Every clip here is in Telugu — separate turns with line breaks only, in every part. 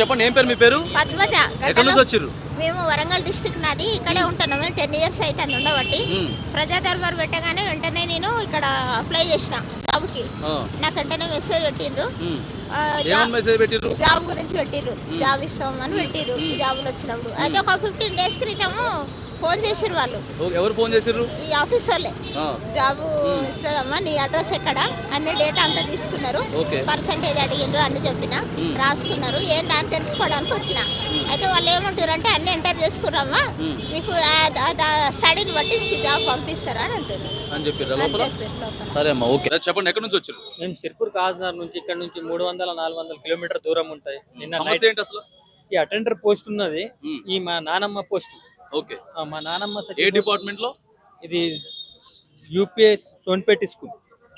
చెప్పండి, ఏం పేరు మీ పేరు?
పద్మజ.
ఎక్కడి నుంచి వచ్చారు?
మేము వరంగల్ డిస్ట్రిక్ట్ నాది, ఇక్కడే ఉంటున్నాము. 10 years అయితే ఉండబట్టి ప్రజా దర్బార్ పెట్టగానే వెంటనే నేను ఇక్కడ అప్లై చేసిన జాబ్కి. నాకు వెంటనే మెసేజ్ పెట్టిండ్రు, జాబ్ గురించి పెట్టిర్రు, జాబ్ ఇస్తామని పెట్టిర్రు. జాబులు వచ్చినప్పుడు అయితే ఒక 15 days క్రితము ఫోన్ చేసిర్రు వాళ్ళు.
ఎవరు ఫోన్ చేసిర్రు?
ఈ ఆఫీస్ వాళ్ళే. జాబు ఇస్తుందమ్మా, నీ అడ్రస్ ఎక్కడ, అన్ని డేటా అంతా తీసుకున్నారు, పర్సంటేజ్ అడిగిండ్రు, అన్ని చెప్పిన రాసుకున్నారు. ఏం దాన్ని తెలుసుకోవడానికి వచ్చిన. అయితే వాళ్ళు ఏమంటారు అంటే అన్ని ఎంటర్ చేసుకున్నామా, మీకు స్టడీని బట్టి మీకు జాబ్ పంపిస్తారా అని అంటారు
అని చెప్పారు. సరే అమ్మా, ఓకే. చెప్పండి, ఎక్కడి నుంచి వచ్చారు?
మేము సిర్పూర్ కాజ్నగర్ నుంచి, ఇక్కడ నుంచి 300-400 కిలోమీటర్ దూరం ఉంటాయి.
సమస్య ఏంటి అసలు?
ఈ అటెండర్ పోస్ట్ ఉన్నది, ఈ మా నానమ్మ పోస్ట్.
ఓకే.
మా నానమ్మ
ఏ డిపార్ట్మెంట్ లో?
ఇది యూపీఎస్ సోన్పేట స్కూల్.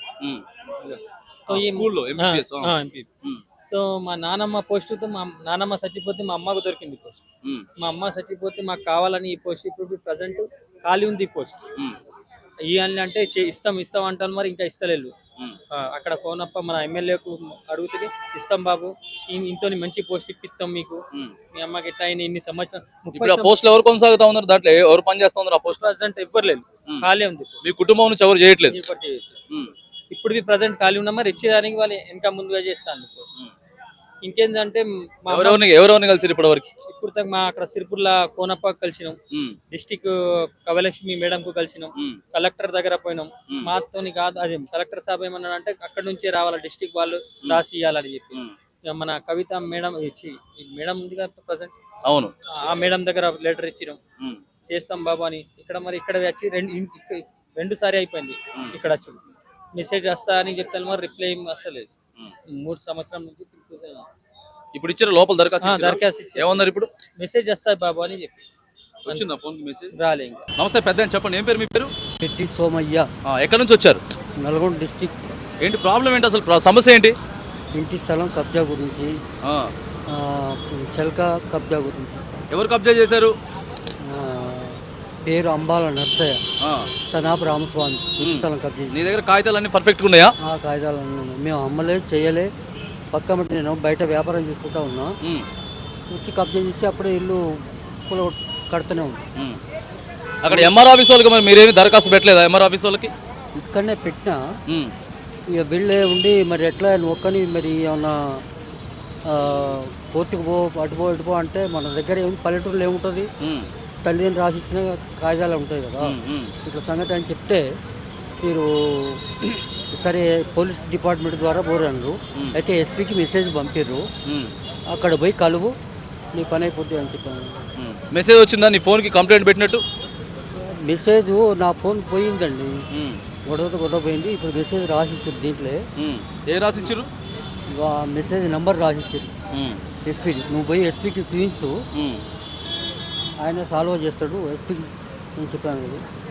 సో మా నానమ్మ పోస్ట్ తో, మా నానమ్మ చచ్చిపోతే మా అమ్మకు దొరికింది పోస్ట్. మా అమ్మ చచ్చిపోతే మాకు కావాలని ఈ పోస్ట్ ఇప్పుడు ప్రజెంట్ ఖాళీ ఉంది. ఈ పోస్ట్ ఇవ్వాలి అంటే ఇస్తాం అంటాను, మరి ఇంకా ఇస్తలేదు. అక్కడ కోనప్ప మన ఎమ్మెల్యేకు అడుగుతుంది, ఇస్తాం బాబు, ఇంతో మంచి పోస్ట్ ఇప్పిస్తాం మీకు, మీ అమ్మకి ఎట్లా అయినా ఇన్ని సంవత్సరం
పోస్ట్ ఎవరు కొనసాగుతా ఉన్నారు, దాంట్లో ఎవరు పని చేస్తా ఉన్నారు? ఆ పోస్ట్
ప్రజెంట్ ఎవ్వరు లేదు, ఖాళీ ఉంది.
మీ కుటుంబం నుంచి ఎవరు చేయట్లేదు?
ఇప్పుడు ప్రజెంట్ ఖాళీ ఉన్నా, మరి ఇచ్చేదానికి వాళ్ళు ఇంకా ముందుగా చేస్తాను పోస్ట్. ఇంకేంటంటే
ఎవరెవరిని కలిసి ఇప్పటి వరకు?
ఇప్పుడు మా అక్కడ సిరిపుర్ల కోనప్ప కలిసినాం, డిస్టిక్ కవలక్ష్మి మేడం కు కలిసినాం, కలెక్టర్ దగ్గర పోయినాం. మాతోని కాదు, అది కలెక్టర్ సాబ్ ఏమన్నాడు అంటే అక్కడ నుంచే రావాలి, డిస్టిక్ వాళ్ళు రాసి ఇవ్వాలని చెప్పి. మన కవిత మేడం మేడం ఉంది కదా ప్రజెంట్,
అవును,
ఆ మేడం దగ్గర లెటర్ ఇచ్చినాం, చేస్తాం బాబు అని. ఇక్కడ మరి ఇక్కడ వచ్చి రెండు సారి అయిపోయింది. ఇక్కడ వచ్చి మెసేజ్ వస్తా అని చెప్తాను, మరి రిప్లై వస్తలేదు. 3 సంవత్సరం నుంచి
ఇప్పుడు ఇచ్చారు లోపల దరఖాస్తు ఏమన్నారు? ఇప్పుడు
మెసేజ్ వస్తాయి బాబు అని చెప్పి
వచ్చిందా ఫోన్ మెసేజ్?
రాలే ఇంకా.
నమస్తే పెద్ద, చెప్పండి, ఏం పేరు మీ పేరు?
పెట్టి సోమయ్య.
ఎక్కడి నుంచి వచ్చారు?
నల్గొండ డిస్టిక్.
ఏంటి ప్రాబ్లం ఏంటి అసలు, సమస్య ఏంటి?
ఇంటి స్థలం కబ్జా గురించి, చెల్క కబ్జా గురించి.
ఎవరు కబ్జా చేశారు?
పేరు అంబాల నర్సయ్య, సనాపు రామస్వామి. ఇంటి స్థలం కబ్జా.
నీ దగ్గర కాగితాలు అన్ని పర్ఫెక్ట్గా ఉన్నాయా?
కాగితాలు అన్నీ ఉన్నాయి. మేము అమ్మలే చేయలే, పక్క మట్టి నేను బయట వ్యాపారం చేసుకుంటా ఉన్నా. వచ్చి కబ్జా చేసి అప్పుడే ఇల్లు కడుతూనే ఉన్నా.
అక్కడ ఎంఆర్ ఆఫీస్ వాళ్ళకి మరి మీరేమి దరఖాస్తు పెట్టలేదా? ఎంఆర్ ఆఫీస్ వాళ్ళకి
ఇక్కడనే పెట్టినా, ఇక బిళ్ళే ఉండి మరి ఎట్లా ఒక్కని మరి ఏమన్నా కోర్టుకు అటుపో అంటే మన దగ్గర పల్లెటూరులో ఏముంటుంది, తల్లిదండ్రులు రాసిచ్చిన కాగితాలు ఉంటాయి కదా. ఇట్లా సంగతి అని చెప్తే మీరు సరే పోలీస్ డిపార్ట్మెంట్ ద్వారా పోరాను. అయితే ఎస్పీకి మెసేజ్ పంపిర్రు, అక్కడ పోయి కలువు, నీ పని అయిపోద్ది అని చెప్పాను.
మెసేజ్ వచ్చిందా నీ ఫోన్కి కంప్లైంట్ పెట్టినట్టు?
మెసేజ్ నా ఫోన్ పోయిందండి, గొడవ పోయింది. ఇప్పుడు మెసేజ్ రాసిచ్చారు, దీంట్లో
ఏ రాసిచ్చారు?
మెసేజ్ నెంబర్ రాసిచ్చారు ఎస్పీకి. నువ్వు పోయి ఎస్పీకి చూపించు, ఆయన సాల్వ్ చేస్తాడు ఎస్పీకి అని చెప్పాను.